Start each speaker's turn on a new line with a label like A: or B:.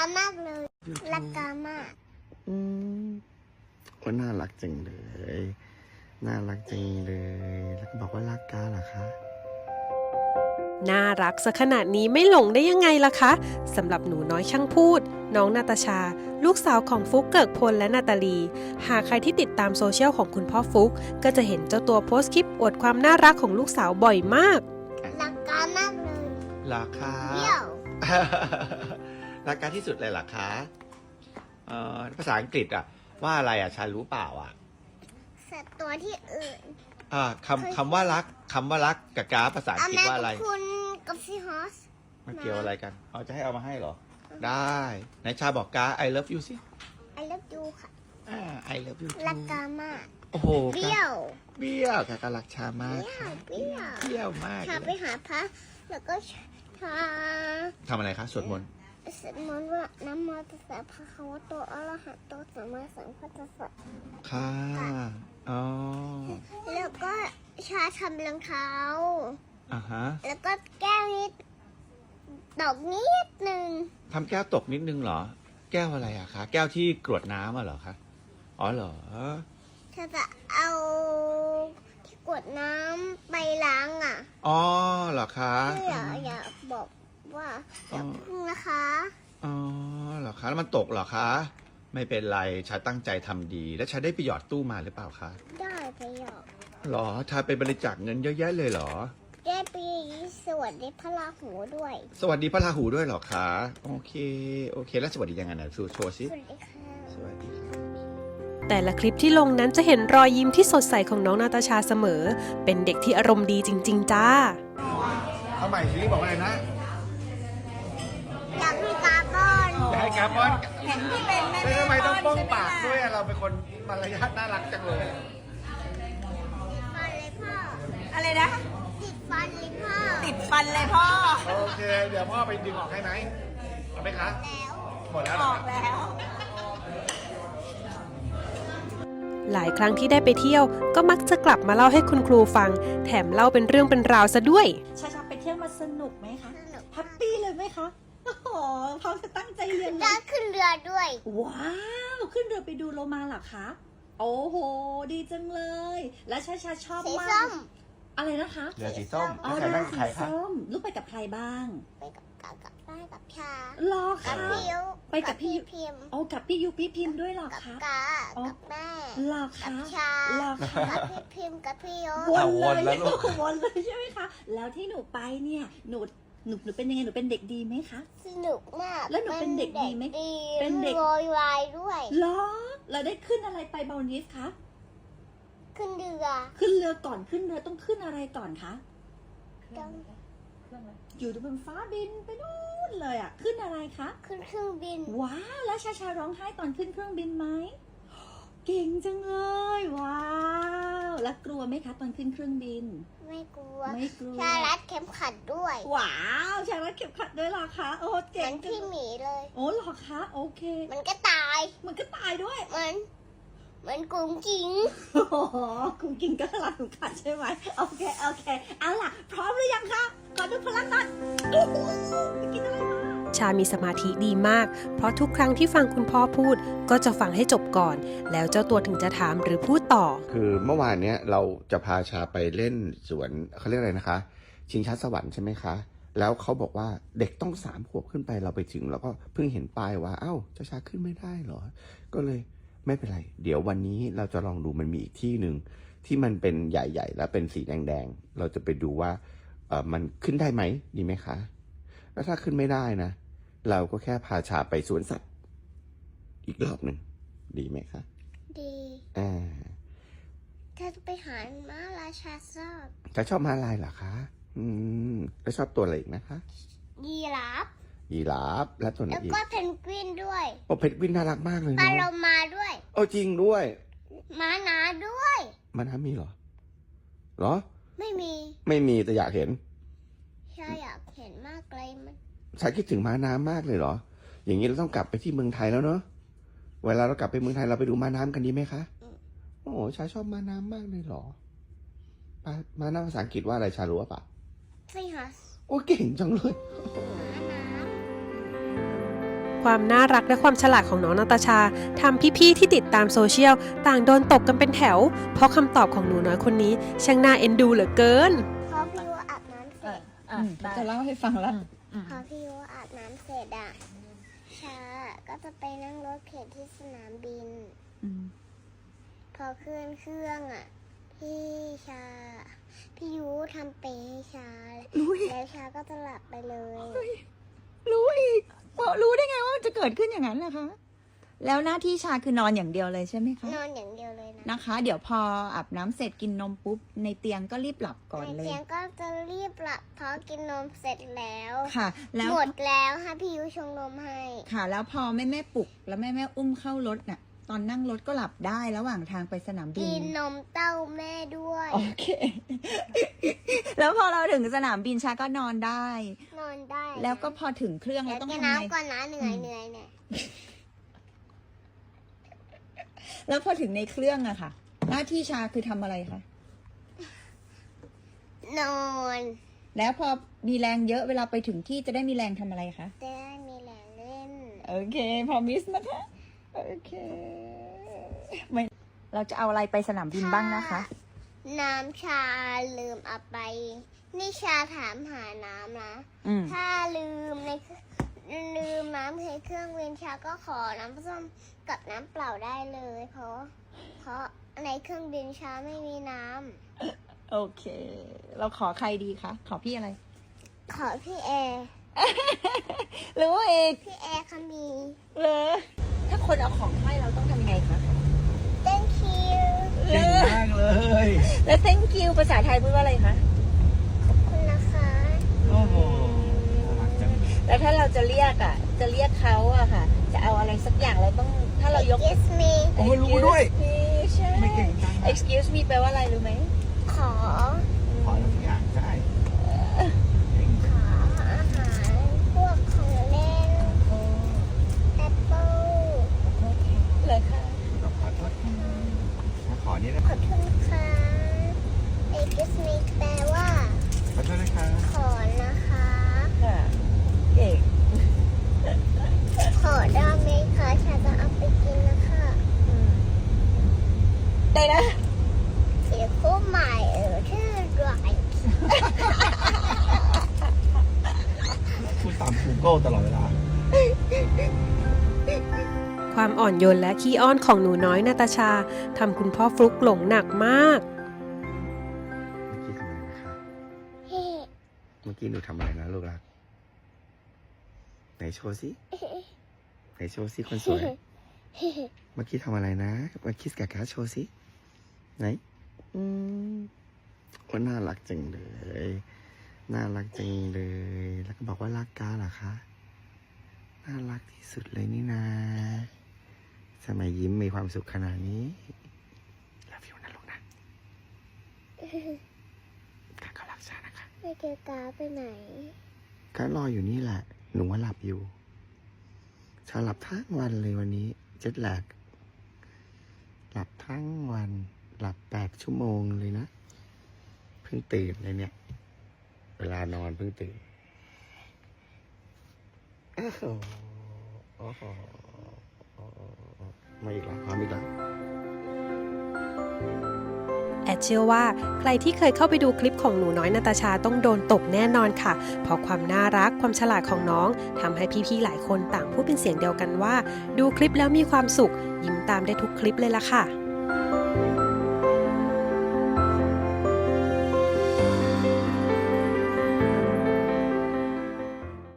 A: มากเลยรักกามาก
B: ว่าน่ารักจังเลยน่ารักจังเลยแล้วก็บอกว่ารักกาเหรอคะ
C: น่ารักซะขนาดนี้ไม่หลงได้ยังไงล่ะคะสำหรับหนูน้อยช่างพูดน้องนาตาชาลูกสาวของฟุกเกิกพลและนาตาลีหากใครที่ติดตามโซเชียลของคุณพ่อฟุกก็จะเห็นเจ้าตัวโพสต์คลิปอวดความน่ารักของลูกสาวบ่อยมาก
A: รักกามากเลย
B: รักค่ะ
A: เดี่ยว
B: รักกาที่สุดเลยเหรอคะภาษาอังกฤษว่าอะไรชารู้เปล่า
A: สัตว์ตัวที่อื่น
B: คำว่ารักกับกาภาษาอังกฤษว่าอะไร
A: คุณกับซีฮอส
B: มันเกี่ยวอะไรกันจะให้เอามาให้เหรอได้ไหนชาบอกกา I love you สิ
A: I love you ค่ะ
B: I love you
A: รักกามาก
B: โอ้โห
A: เบี้ยว
B: การักชามาก
A: เบี้ยว
B: มาก
A: ชาไปหาพระแล้วก็ชา
B: ทำอะไรคะสวดมนต์
A: ว่าน้ำมันจะสาพระเขาว่าตัวอรหันตัวสัมมาสัมพุทธัสสะ
B: ค่ะอ๋อ
A: แล้วก็ชาทำรองเท้า
B: ฮะ
A: แล้วก็แก้วนิดตกนิดนึง
B: ทำแก้วตกนิดนึงเหรอแก้วอะไรคะแก้วที่กรวดน้ำเหรอคะอ๋อเหรอ
A: จะเอาที่กรวดน้ำไปล้าง
B: อ๋อเหรอคะ
A: อยากบอกว่าอย่าพึ่งนะคะ
B: อ๋อเหรอคะแล้วมันตกเหรอคะไม่เป็นไรชาตั้งใจทำดีแล้วชาได้ไปหยอดตู้มาหรือเปล่าคะ
A: ได้ไปหยอด
B: หรอชาไปบริจาคเงินเยอะแยะเลยเหรอ
A: ได้ไปสวัสดีพระราหูด้วย
B: สวัสดีพระราหูด้วยเหรอคะโอเคแล้วสวัสดียังไงนะโชว์สิ
A: สวัสดีค่ะ
B: สวัสดีค่ะ
C: แต่ละคลิปที่ลงนั้นจะเห็นรอยยิ้มที่สดใสของน้องนาตาชาเสมอเป็นเด็กที่อารมณ์ดีจริงๆจ้า
B: เอาใหม่สิบอกอะไรนะ
A: อยากให้กาบอน
B: อยากให้กาบอน
A: เห็นที่เป็นแม่
B: ทำไมต้องป้องปากด้วยเราเป็นคนมารยาทน่ารักจังเลย
A: ฟันเลยพ่อ
D: อะไรนะ
A: ติดฟันเลยพ่อ
D: ติดฟันเลยพ่อ
B: โอเคเดี๋ยวพ่อไปดึงออกให้ไหมเอาไหมคะ
A: แล้ว
B: หมดแล้ว
D: ออกแล้ว
C: หลายครั้งที่ได้ไปเที่ยวก็มักจะกลับมาเล่าให้คุณครูฟังแถมเล่าเป็นเรื่องเป็นราวซะด้วย
D: ชาไปเที่ยวมาสนุกไหมคะแฮปปี้เลยไหมคะโอ้โหเขาจะตั้งใจเรียน
A: ได้ขึ้นเรือด้วย
D: ว้าวขึ้นเรือไปดูโลมาเหรอคะโอ้โหดีจังเลยและชาชอบมากอะไรนะคะ
B: เรือสีส้ม
D: เรือสีส้มลูกไปกับใครบ้าง
A: ไปกับชา
D: หรอคะ
A: ไปกับพี่พิม
D: โอ้กับพี่ยุพี่พิมด้วยหรอคะ
A: กับแม่
D: หรอคะ
A: กับชา
D: หรอคะ
A: กับพี่พิมกับพี่ยุ
D: วนเลยวนเลยใช่ไหมคะแล้วที่หนูไปเนี่ยหนูเป็นยังไงหนูเป็นเด็กดีไหมคะ
A: สนุกมาก
D: แล้วหนูเป็นเด็กดีไหม
A: เป็นเด็กโวยวายด้วย
D: หรอเราได้ขึ้นอะไรไปบานิสคะ
A: ขึ้นเ
D: รือก่อนขึ้นเรือต้องขึ้นอะไรก่อนคะอยู่บนฟ้าบินไปนู่นเลยขึ้นอะไรคะ
A: ขึ้นเครื่องบิน
D: ว้าวแล้วชาร้องไห้ตอนขึ้นเครื่องบินไหมเก่งจังเลยว้าวแล้วกลัวไหมคะตอนขึ้นเครื่องบิน
A: ไม่กลัวชารัดเข็มขัดด้วย
D: ว้าวชารัดเข็มขัดด้วยเหรอคะโอ้เก่ง
A: พี่หมีเลย
D: โอ้เหรอคะโอเค
A: มันก็ตาย
D: ด้วย
A: มันกุ้งกิ้ง
D: กุ้งกิ้งก็รักเข็มขัดใช่ไหมโอเคเอาล่ะพร้อมหรือยังคะขอดูพลังก่อนกินอะไรมา
C: ชามีสมาธิดีมากเพราะทุกครั้งที่ฟังคุณพ่อพูดก็จะฟังให้จบก่อนแล้วเจ้าตัวถึงจะถามหรือพูดต่อ
B: คือเมื่อวานเนี้ยเราจะพาชาไปเล่นสวนเขาเรียกอะไรนะคะชิงช้าสวรรค์ใช่ไหมคะแล้วเขาบอกว่าเด็กต้อง3 ขวบขึ้นไปเราไปถึงแล้วก็เพิ่งเห็นป้ายว่าเอ้าชาขึ้นไม่ได้เหรอก็เลยไม่เป็นไรเดี๋ยววันนี้เราจะลองดูมันมีอีกที่หนึ่งที่มันเป็นใหญ่ๆแล้วเป็นสีแดงๆเราจะไปดูว่ามันขึ้นได้ไหมดีไหมคะแล้วถ้าขึ้นไม่ได้นะเราก็แค่พาชาไปสวนสัตว์อีกรอบหนึ่งดีไหมคะ
A: ดีถ้าไปหาม้าลายชา
B: ชอบม้าลายเหรอคะแล้วชอบตัวอะไรอีกนะคะ
A: ยีรา
B: ฟและตัวไหนอีก
A: แล้วก็เพนกวินด้วย
B: โอ้เพนกวินน่ารักมากเลย
A: ปลาโลมาด้วย
B: โอ้จริงด้วย
A: ม้าน้าด้วย
B: ม้าน้ามีเหรอ
A: ไม่
B: มีแต่อยากเห็น
A: ชาอยากเห็นมากเลยมัน
B: ชาคิดถึงม้าน้ำมากเลยเหรออย่างนี้เราต้องกลับไปที่เมืองไทยแล้วเนาะเวลาเรากลับไปเมืองไทยเราไปดูม้าน้ำกันดีไหมคะโอ้ชาชอบม้าน้ำมากเลยเหรอม้าน้ำภาษาอังกฤษว่าอะไรชารู้ป่ะ
A: ใช่ค่ะ
B: โอ้เก่งจังเลย
C: พอความน่ารักและความฉลาดของน้องนาตาชาทำพี่ๆที่ติดตามโซเชียลต่างโดนตกกันเป็นแถว เพราะคำตอบของหนูน้อยคนนี้ช่างน่าเอ็นดูเหลือเกิน
A: พอพี่ว่าอาบน้ำเสร็จ
D: จะเล่าให้ฟังแล้ว
A: พอพี่ว่าอาบน้ำเสร็จอะชาก็จะไปนั่งรถเข็นที่สนามบิน พอขึ้นเครื่องอะพี่ยูทำเปย์ให้ชา แล้วชาก็จะหลับไปเลย
D: รู้อีกรู้ได้ไงว่ามันจะเกิดขึ้นอย่างนั้นล่ะคะ แล้วหน้าที่ชาคือนอนอย่างเดียวเลยใช่ไหมคะ
A: นอนอย่างเดียวเลยนะ
D: นะคะ เดี๋ยวพออาบน้ำเสร็จกินนมปุ๊บในเตียงก็รีบหลับก่อน
A: ใน
D: เลย
A: เตียงก็จะรีบหลับเพราะกินนมเสร็จแล้ว
D: ค่ะ แล้ว
A: หมดแล้วค่ะพี่ยูชงนมให้
D: ค่ะ แล้วพอแม่ปลุกแล้วแม่อุ้มเข้ารถน่ะ ตอนนั่งรถก็หลับได้ระหว่างทางไปสนามบิ
A: กิ
D: น
A: นนมเต้าแม่ด้วย
D: โอเค แล้วพอเราถึงสนามบินชาก็นอนได้
A: นอนได้นะ
D: แล้วก็พอถึงเครื่อง
A: แล้
D: เรา
A: ว
D: ต้อง
A: กิน
D: ทำไง
A: น้ำก่อนนะเหนื่อยเนี่ย
D: แล้วพอถึงในเครื่องอะค่ะ หน้าที่ชาคือทำอะไรคะ
A: นอน
D: แล้วพอมีแรงเยอะเวลาไปถึงที่จะได้มีแรงทำอะไรคะ
A: จะได้มีแรงเล่น
D: โอเคพอมิสนะคะ โอเคไม่เราจะเอาอะไรไปสนามบินบ้างนะคะ
A: น้ำชาลืมเอาไป นี่ชาถามหาน้ำนะ ถ้าลืมน้ำในเครื่องเวนชาก็ขอน้ำส้มกับน้ำเปล่าได้เลย เพราะในเครื่องบินชาไม่มีน้
D: โอเค เราขอใครดีคะ ขอพี่อะไร
A: ำขอพี่แอร์
D: หรือว่าเอก
A: พี่แอร์เขามี
D: ถ้าคนเอาของให้เราต้องทำยังไงคะ
A: thank you
B: เก่งมากเลย
D: แล้ว thank you ภาษาไทยพูดว่าอะไรคะ
A: ขอบคุณนะคะ
B: โอ้โหน่ารักจัง
D: แล้วถ้าเราจะเรียกเขาอะค่ะ จะเอาอะไรสักอย่างเราต้องถ้าเรายก
A: excuse me
B: โอ้ยรู้ด้วย
D: ใช่
B: ไม่เก่งจังนะ
D: excuse me แปลว่าอะไรรู้ไหม
A: ขอ
B: ขอทุกอย่างใช่
A: ขออาหารพวกของเล่นแอปเปิ้ล
D: เลยค่ะ
B: ขอโทษค่ะขอนี่นะ
A: ขอบคุณค่ะ excuse me แปลว่า
B: ขอโทษนะคะ
A: ขอนะคะ
D: ค่ะเก่ง
A: ขอได้ไหมคะฉันจะเอาไปกินนะคะ
D: ได้นะ
A: เสียคู่ใหม่ชื่อไร
B: พูดตาม Google ตลอดเวลา
C: ความอ่อนโยนและขี้อ้อนของหนูน้อยนาตาชาทำคุณพ่อฟลุกหลงหนักมาก
B: เมื่อกี้ทำอะไรนะคะ เมื่อกี้หนูทำอะไรนะลูกรัก ไหนโชว์สิไหนโชว์สิคนสวย เมื่อกี้ทำอะไรนะมาคิสกับการ์ดโชว์สิไหนว่าน่ารักจังเลย น่ารักจังเลย แล้วก็บอกว่ารักการ์ดเหรอคะ น่ารักที่สุดเลยนี่นาทำไมยิ้มมีความสุขขนาดนี้รักอยู่นะลูกนะการ์ดก็รักษานะคะ
A: ไม่เจอกาไปไหน
B: การ์ดรออยู่นี่แหละ หนูว่าหลับอยู่ชาหลับทั้งวันเลยวันนี้เจ็ตแลกหลับทั้งวันหลับ8 ชั่วโมงเลยนะเพิ่งตื่นเลยเนี่ย เวลานอนเพิ่งตื่นโอ้โหโอ้โหมาอีกแล้วพร้อมอีกแล้ว
C: แอดเชื่อว่าใครที่เคยเข้าไปดูคลิปของหนูน้อยนาตาชาต้องโดนตกแน่นอนค่ะ เพราะความน่ารักความฉลาดของน้องทำให้พี่ๆหลายคนต่างพูดเป็นเสียงเดียวกันว่า ดูคลิปแล้วมีความสุขยิ้มตามได้ทุกคลิปเลยล่ะค่ะ